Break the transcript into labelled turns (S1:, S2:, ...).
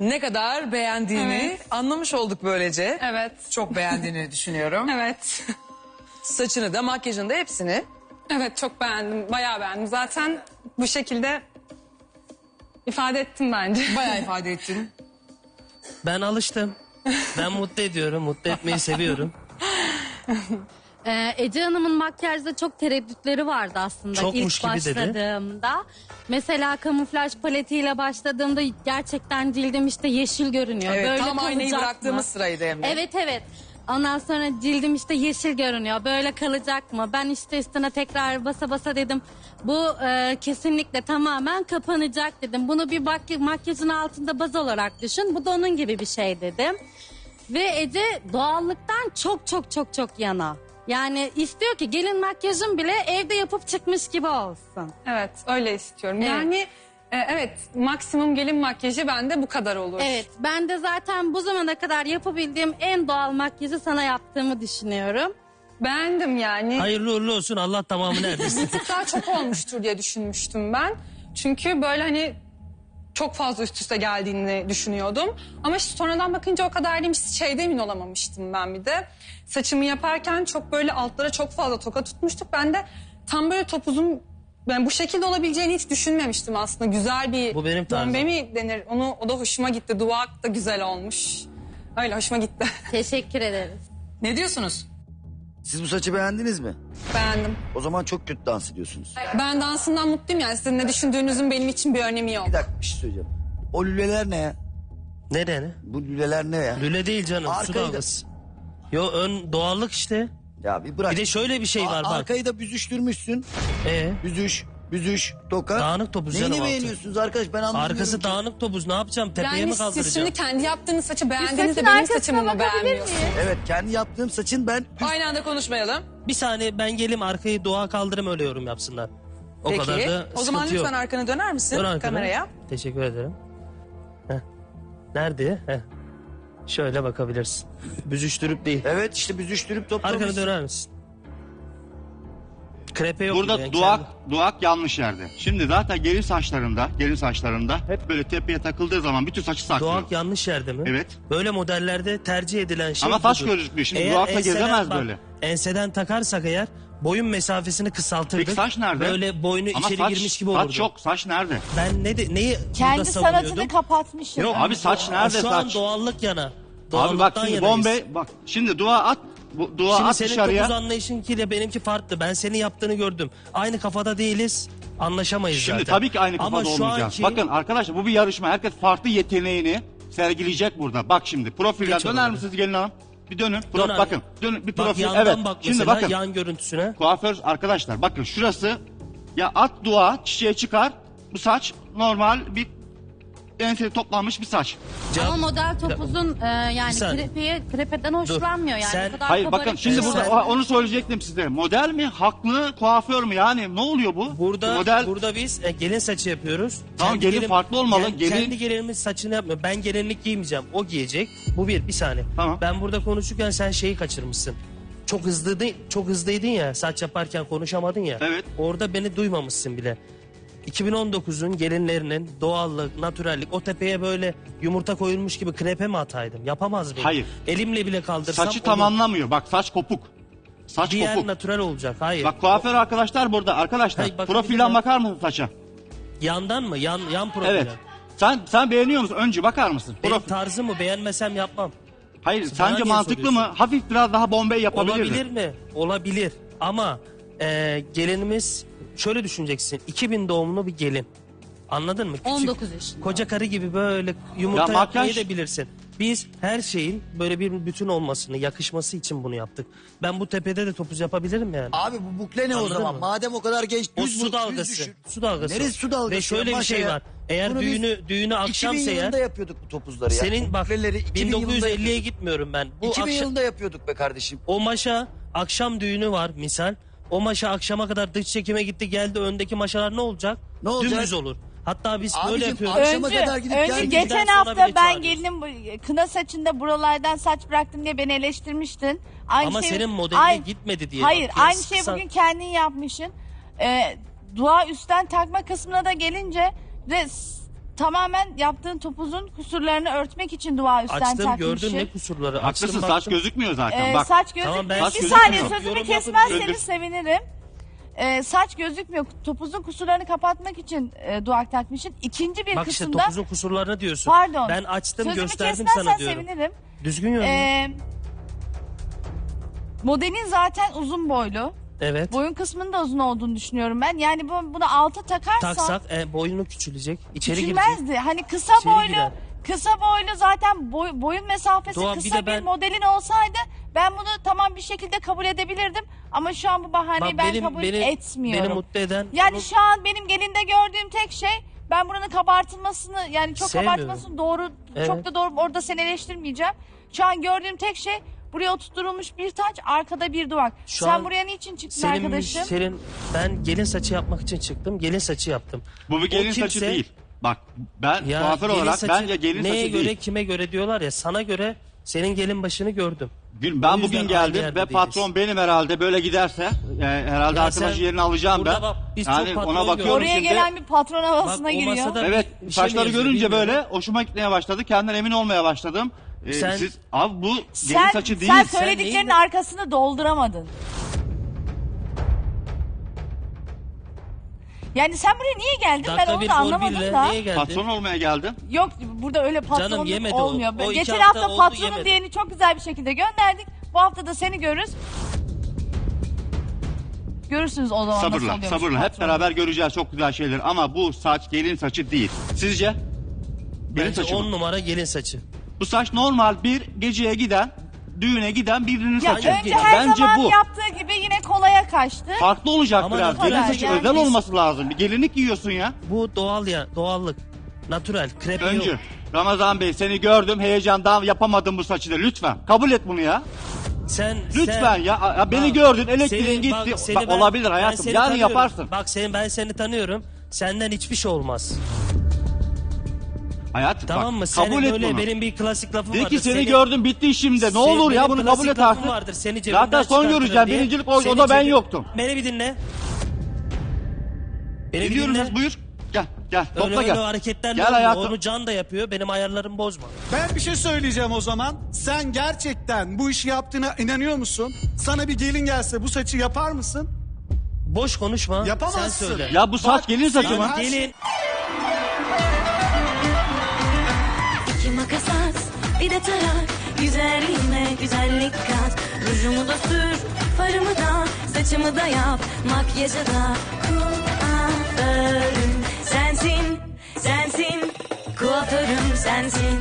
S1: ne kadar beğendiğini
S2: Evet.
S1: anlamış olduk böylece.
S2: Evet.
S1: Çok beğendiğini düşünüyorum.
S2: Evet.
S1: Saçını da makyajını da hepsini.
S2: Evet, çok beğendim. Bayağı beğendim. Zaten bu şekilde ifade ettim bence.
S1: Bayağı ifade ettin.
S3: Ben alıştım. Ben mutlu ediyorum. Mutlu etmeyi seviyorum.
S4: Ece Hanım'ın makyajda çok tereddütleri vardı aslında
S3: Çokmuş
S4: ilk
S3: gibi dedi.
S4: başladığımda. Mesela kamuflaj paletiyle başladığımda gerçekten cildim işte yeşil görünüyor.
S1: Evet,
S4: Böyle
S1: tam aynayı
S4: kalacak
S1: bıraktığımız
S4: mı?
S1: sıraydı Emre.
S4: Evet. Ondan sonra cildim işte yeşil görünüyor. Böyle kalacak mı? Ben işte üstüne tekrar basa basa dedim. Bu kesinlikle tamamen kapanacak dedim. Bunu bir makyajın altında baz olarak düşün. Bu da onun gibi bir şey dedim. Ve Ece doğallıktan çok yana. Yani istiyor ki gelin makyajım bile evde yapıp çıkmış gibi olsun.
S2: Evet, öyle istiyorum.
S4: Evet.
S2: Yani evet, maksimum gelin makyajı bende bu kadar olur.
S4: Evet, ben de zaten bu zamana kadar yapabildiğim en doğal makyajı sana yaptığımı düşünüyorum.
S2: Beğendim yani.
S3: Hayırlı uğurlu olsun. Allah tamamını erdirsin.
S2: Bir tık daha çok olmuştur diye düşünmüştüm ben. Çünkü böyle hani çok fazla üst üste geldiğini düşünüyordum. Ama işte sonradan bakınca o kadar değilmiş. Şeyde emin olamamıştım ben bir de. Saçımı yaparken çok böyle altlara çok fazla toka tutmuştuk. Ben de tam böyle topuzum, ben bu şekilde olabileceğini hiç düşünmemiştim aslında. Güzel bir
S3: Bu benim tarzım.
S2: bombe mi denir? O da hoşuma gitti. Duvak da güzel olmuş. Öyle hoşuma gitti.
S4: Teşekkür ederiz.
S1: Ne diyorsunuz?
S5: Siz bu saçı beğendiniz mi?
S2: Beğendim.
S5: O zaman çok kötü dans ediyorsunuz.
S2: Ben dansından mutluyum yani. Sizin ne düşündüğünüzün benim için bir önemi yok.
S5: Bir dakika bir şey söyleyeceğim. O lüleler ne ya?
S3: Ne?
S5: Bu lüleler ne ya?
S3: Lüle değil canım. Su
S5: Arkayı da-
S3: dalgası. Yo ön doğallık işte.
S5: Ya bir bırak.
S3: Bir de şöyle bir şey var bak.
S5: Arkayı da büzüştürmüşsün. Büzüş, toka.
S3: Dağınık topuz
S5: Neyini
S3: canım altı.
S5: beğeniyorsunuz arkadaş ben anlamıyorum
S3: Arkası
S5: ki.
S3: dağınık topuz. Ne yapacağım? Tepeye
S2: Yani
S3: mi
S2: siz
S3: kaldıracağım?
S2: şimdi kendi yaptığınız saçı beğendiğinizde
S4: saçın
S2: benim
S4: arkasına
S2: saçımı mı
S4: bakabilir
S2: beğenmiyorsunuz?
S4: miyim?
S5: Evet kendi yaptığım saçın ben...
S1: Aynı anda konuşmayalım.
S3: Bir saniye ben geleyim arkayı doğa kaldırım öyle yorum yapsınlar. O
S1: Peki.
S3: kadar da
S1: O zaman
S3: sıkıntı
S1: lütfen
S3: yok.
S1: arkanı döner misin
S3: Dön arkana.
S1: kameraya?
S3: Teşekkür ederim. Heh. Nerede? Heh. Şöyle bakabilirsin. Büzüştürüp değil.
S5: Evet işte büzüştürüp toplamışsın.
S3: Arkanı döner misin? Krepe yok.
S6: Burada
S3: gibi yani
S6: duak yanlış yerde. Şimdi zaten gelin saçlarında hep böyle tepeye takıldığı zaman bütün saçı saklıyor.
S3: Doğak yanlış yerde mi?
S6: Evet.
S3: Böyle modellerde tercih edilen şey
S6: Ama saç
S3: budur.
S6: gözükmüyor. Şimdi
S3: Eğer
S6: duakla
S3: enseden
S6: gezemez
S3: bak,
S6: böyle.
S3: Enseden takarsak eğer boyun mesafesini kısaltırdık.
S6: Peki saç nerede?
S3: Böyle boynu
S6: Ama
S3: içeri
S6: saç,
S3: girmiş gibi olurdu.
S6: saç yok. Saç nerede?
S3: Ben neyi
S7: Kendi
S3: burada savunuyordum?
S7: sanatını kapatmış.
S6: Yok abi saç nerede
S3: Şu
S6: saç?
S3: an doğallık yana.
S6: Abi
S3: Doğallıktan
S6: bak şimdi
S3: yanayız.
S6: bombe bak şimdi dua at. Dua
S3: Şimdi
S6: at
S3: senin
S6: dışarıya.
S3: topuz anlayışınkiyle benimki farklı. Ben senin yaptığını gördüm. Aynı kafada değiliz. Anlaşamayız
S6: Şimdi
S3: zaten.
S6: tabii ki aynı kafada
S3: Ama şu
S6: olmayacağız.
S3: anki...
S6: Bakın arkadaşlar bu bir yarışma. Herkes farklı yeteneğini sergileyecek burada. Bak şimdi profilden
S3: Geç
S6: döner
S3: oraları.
S6: misiniz gelin hanım? Bir dönün.
S3: Dön abi.
S6: Bakın. Dönün bir
S3: Bak
S6: profil.
S3: yandan
S6: Evet.
S3: bak
S6: Şimdi
S3: mesela
S6: bakın.
S3: yan görüntüsüne.
S6: Kuaför arkadaşlar bakın şurası ya at dua çiçeğe çıkar. Bu saç normal bir enseli toplanmış bir saç.
S4: Ama model topuzun yani
S3: Bir saniye.
S4: krepeden hoşlanmıyor yani.
S3: Sen-
S4: O kadar
S6: Hayır
S4: kabarık
S6: bakın şimdi
S4: değil.
S6: burada onu söyleyecektim size. Model mi? Haklı kuaför mü? Yani ne oluyor bu?
S3: Burada
S6: model
S3: burada biz gelin saçı yapıyoruz.
S6: Tamam,
S3: Kendi
S6: gelin farklı olmalı. Gelin-
S3: Kendi gelinimiz saçını yapmıyor. Ben gelinlik giymeyeceğim. O giyecek. Bu bir saniye.
S6: Tamam.
S3: Ben burada konuşurken sen şeyi kaçırmışsın. Çok hızlıydın ya. Saç yaparken konuşamadın ya.
S6: Evet.
S3: Orada beni duymamışsın bile. 2019'un gelinlerinin doğallık, natürellik o tepeye böyle yumurta koyulmuş gibi krepe mi ataydım? Yapamaz mıyım?
S6: Hayır.
S3: Elimle bile kaldırsam
S6: saçı
S3: olur.
S6: tamamlamıyor. Bak saç kopuk. Saç
S3: Diğer
S6: kopuk.
S3: natürel olacak. Hayır.
S6: Bak kuaför arkadaşlar burada. Arkadaşlar
S3: Hayır, bakın
S6: profilden
S3: bir
S6: bakar mısın saça?
S3: Yandan mı? Yan profile.
S6: Evet. Sen beğeniyor musun? Önce bakar mısın?
S3: Benim
S6: Profil.
S3: tarzımı beğenmesem yapmam.
S6: Hayır
S3: Bana
S6: sence
S3: niye
S6: mantıklı
S3: soruyorsun?
S6: mı? Hafif biraz daha bombay yapabilir
S3: Olabilir
S6: mi?
S3: mi? Olabilir. Ama gelinimiz şöyle düşüneceksin. 2000 doğumlu bir gelin. Anladın mı? Küçük,
S4: 19 yaşında.
S3: koca karı gibi böyle yumurta
S6: Ya
S3: yapmayı
S6: makyaj-
S3: da bilirsin. Biz her şeyin böyle bir bütün olmasını, yakışması için bunu yaptık. Ben bu tepede de topuz yapabilirim yani.
S5: Abi bu bukle ne o
S3: Anladın
S5: zaman?
S3: mı?
S5: Madem o kadar genç
S3: O
S5: düz
S3: su
S5: düz
S3: dalgası.
S5: düşür.
S3: Su dalgası.
S5: Neresi su dalgası?
S3: Ve şöyle
S5: ya?
S3: bir şey
S5: Maşa ya.
S3: var. Eğer
S5: Bunu biz
S3: düğünü akşamsa
S5: 2000
S3: eğer
S5: yılında yapıyorduk bu topuzları ya.
S3: senin bak
S5: Bukleleri 2000 yılında
S3: 1950'ye
S5: yapıyorduk.
S3: gitmiyorum ben. Bu
S5: 2000
S3: akşam,
S5: yılında yapıyorduk be kardeşim.
S3: o maşa akşam düğünü var misal. O maşa akşama kadar dış çekime gitti geldi öndeki maşalar ne olacak?
S5: Ne olacak?
S3: Dümdüz olur. Hatta biz
S5: Abicim,
S3: böyle yapıyoruz.
S5: akşama kadar gidip
S7: önce
S5: geldik.
S7: geçen
S3: Sonra
S7: hafta
S3: bile
S7: ben
S3: çağırıyorsun.
S7: gelinim kına saçında buralardan saç bıraktım diye beni eleştirmiştin. Aynı
S3: Ama
S7: şey,
S3: senin modeline gitmedi diye.
S7: Hayır
S3: Bak,
S7: aynı
S3: kıyas-
S7: şeyi
S3: kısa-
S7: bugün kendin yapmışsın. Dua üstten takma kısmına da gelince de tamamen yaptığın topuzun kusurlarını örtmek için dua üstten
S3: Açtım
S7: takmışsın.
S3: gördüm ne kusurları.
S6: Haklısın,
S3: Açtım,
S6: saç
S3: baktım.
S6: gözükmüyor zaten. Bak.
S7: Saç gözükmüyor.
S3: Tamam, ben
S7: bir
S6: saç
S7: saniye
S6: gözükmüyor.
S7: sözümü
S3: Yorum
S7: kesmezseniz
S6: yapabilirim.
S7: sevinirim. Saç gözükmüyor. Topuzun kusurlarını kapatmak için duak takmışsın. İkinci bir
S3: Bak işte
S7: kısımda
S3: topuzun kusurlarını diyorsun.
S7: pardon.
S3: Ben açtım
S7: Sözümü
S3: gösterdim
S7: kesmezsen
S3: sana diyorum.
S7: sevinirim.
S3: Düzgün yönlü.
S7: Modelin zaten uzun boylu.
S3: Evet.
S7: Boyun kısmının da uzun olduğunu düşünüyorum ben. Yani bunu alta takarsan
S3: Taksak boyunu küçülecek. İçeri girecek.
S7: küçülmezdi. Hani kısa
S3: İçeri
S7: boylu,
S3: girer.
S7: kısa boylu zaten boyun mesafesi
S3: Doğan, bir
S7: kısa
S3: de
S7: bir
S3: ben-
S7: modelin olsaydı ben bunu tamam bir şekilde kabul edebilirdim. Ama şu an bu bahaneyi
S3: Bak,
S7: ben kabul etmiyorum.
S3: Beni mutlu eden
S7: Yani
S3: bunu-
S7: şu an benim gelinde gördüğüm tek şey ben buranın kabartılmasını yani çok
S3: Sevmiyorum.
S7: kabartılmasını doğru
S3: Evet.
S7: çok da doğru orada seni eleştirmeyeceğim. Şu an gördüğüm tek şey buraya oturtulmuş bir taç arkada bir duvak.
S3: Şu
S7: Sen
S3: an
S7: buraya niçin çıktın arkadaşım?
S3: ben gelin saçı yapmak için çıktım. Gelin saçı yaptım.
S6: Bu bir gelin
S3: O
S6: saçı
S3: kimse-
S6: değil. Bak ben
S3: Ya
S6: kuaför
S3: gelin
S6: olarak
S3: saçı
S6: bence gelin
S3: neye
S6: saçı
S3: göre
S6: değil.
S3: kime göre diyorlar ya, sana göre senin gelin başını gördüm.
S6: Ben
S3: O yüzden
S6: bugün
S3: aynı
S6: geldim
S3: yerde
S6: ve
S3: değiliz.
S6: patron benim herhalde böyle giderse herhalde
S3: Ya
S6: arkadaşı
S3: sen
S6: yerini alacağım
S3: burada
S6: ben.
S3: bak, biz çok
S6: Yani
S3: patron
S6: ona bakıyorum
S3: gördük.
S7: Oraya
S6: şimdi.
S7: gelen bir patron havasına
S3: Bak, o
S7: giriyor.
S3: masada-
S6: Evet
S3: bir şey
S6: saçları
S3: mi yazıyor
S6: görünce
S3: bilmiyorum.
S6: böyle hoşuma gitmeye başladı. Kendimden emin olmaya başladım.
S3: Sen-
S6: Siz abi bu gelin
S7: Sen,
S6: saçı değil.
S7: sen
S3: Sen
S7: söylediklerinin
S3: neyin-
S7: arkasını dolduramadın. Yani sen buraya niye geldin ben
S3: Dakika
S7: onu
S3: bir
S7: da
S3: gol
S7: anlamadım
S3: birle
S7: da.
S3: niye geldin?
S6: Patron olmaya geldim.
S7: Yok burada öyle patronluk
S3: Canım, yemedi o.
S7: olmuyor.
S3: O iki
S7: Geçen
S3: hafta
S7: hafta
S3: oldu,
S7: patronun
S3: yemedi.
S7: diyeni çok güzel bir şekilde gönderdik. Bu hafta da seni görürüz. Görürsünüz o zaman nasıl
S6: Sabırla
S7: oluyormuş
S6: sabırla hep
S7: patron.
S6: beraber göreceğiz çok güzel şeyler ama bu saç gelin saçı değil. Sizce? Gelin
S3: Bence
S6: saçı
S3: 10
S6: mı?
S3: numara gelin saçı.
S6: Bu saç normal bir geceye giden, düğüne giden birinin
S7: Ya
S6: saçı.
S7: önce her
S6: Bence
S7: zaman
S6: bu.
S7: yaptığı gibi yine kolaya kaçtı.
S6: Farklı olacak
S3: Ama
S6: biraz.
S3: natural
S6: Gelin saçı
S7: yani.
S6: özel
S3: Biz-
S6: olması lazım. Bir gelinlik giyiyorsun ya.
S3: Bu doğal ya, doğallık. Natural, krepi
S6: Öncü.
S3: yok.
S6: Ramazan Bey seni gördüm heyecandan yapamadım bu saçı da lütfen. Kabul et bunu ya. Lütfen ya. Beni
S3: Bak,
S6: gördün elektriğin
S3: seni-
S6: gitti.
S3: bak, seni
S6: Bak,
S3: ben-
S6: olabilir
S3: ben
S6: hayatım.
S3: seni
S6: Yarın
S3: tanıyorum.
S6: yaparsın.
S3: Bak ben seni tanıyorum. Senden hiçbir şey olmaz.
S6: Hayatım
S3: Tamam
S6: bak,
S3: mı? Senin
S6: kabul et
S3: böyle
S6: bunu.
S3: benim bir klasik lafım
S6: De
S3: vardır.
S6: ki seni gördüm bitti işimde. Ne
S3: Senin-
S6: olur ya
S3: benim
S6: bunu
S3: klasik
S6: kabul et
S3: lafım
S6: artık.
S3: vardır, seni cebinden
S6: Zaten son
S3: çıkartırım
S6: göreceğim.
S3: diye.
S6: Birincilik
S3: Seni
S6: o da ben
S3: cebi-
S6: yoktum.
S3: Beni bir dinle. Beni bir
S6: Biliyoruz
S3: dinle.
S6: buyur. Gel gel
S3: Öyle
S6: topla
S3: öyle
S6: gel.
S3: hareketlerle
S6: Gel
S3: olmuyor.
S6: hayatım.
S3: Onu Can da yapıyor. Benim ayarlarımı bozma.
S8: Ben bir şey söyleyeceğim o zaman. Sen gerçekten bu işi yaptığına inanıyor musun? Sana bir gelin gelse bu saçı yapar mısın?
S3: Boş konuşma.
S8: Yapamazsın.
S3: Sen söyle.
S6: Ya bu saç
S8: Bak,
S6: gelin saçı
S8: sen
S6: mı?
S8: her-
S3: Gelin.
S9: İki makas at, bir de tarak. Güzelliğime güzellik kat. Rujumu da sür, farımı da, saçımı da yap. Makyajı da kuaförüm sensin, sensin. Kuaförüm sensin.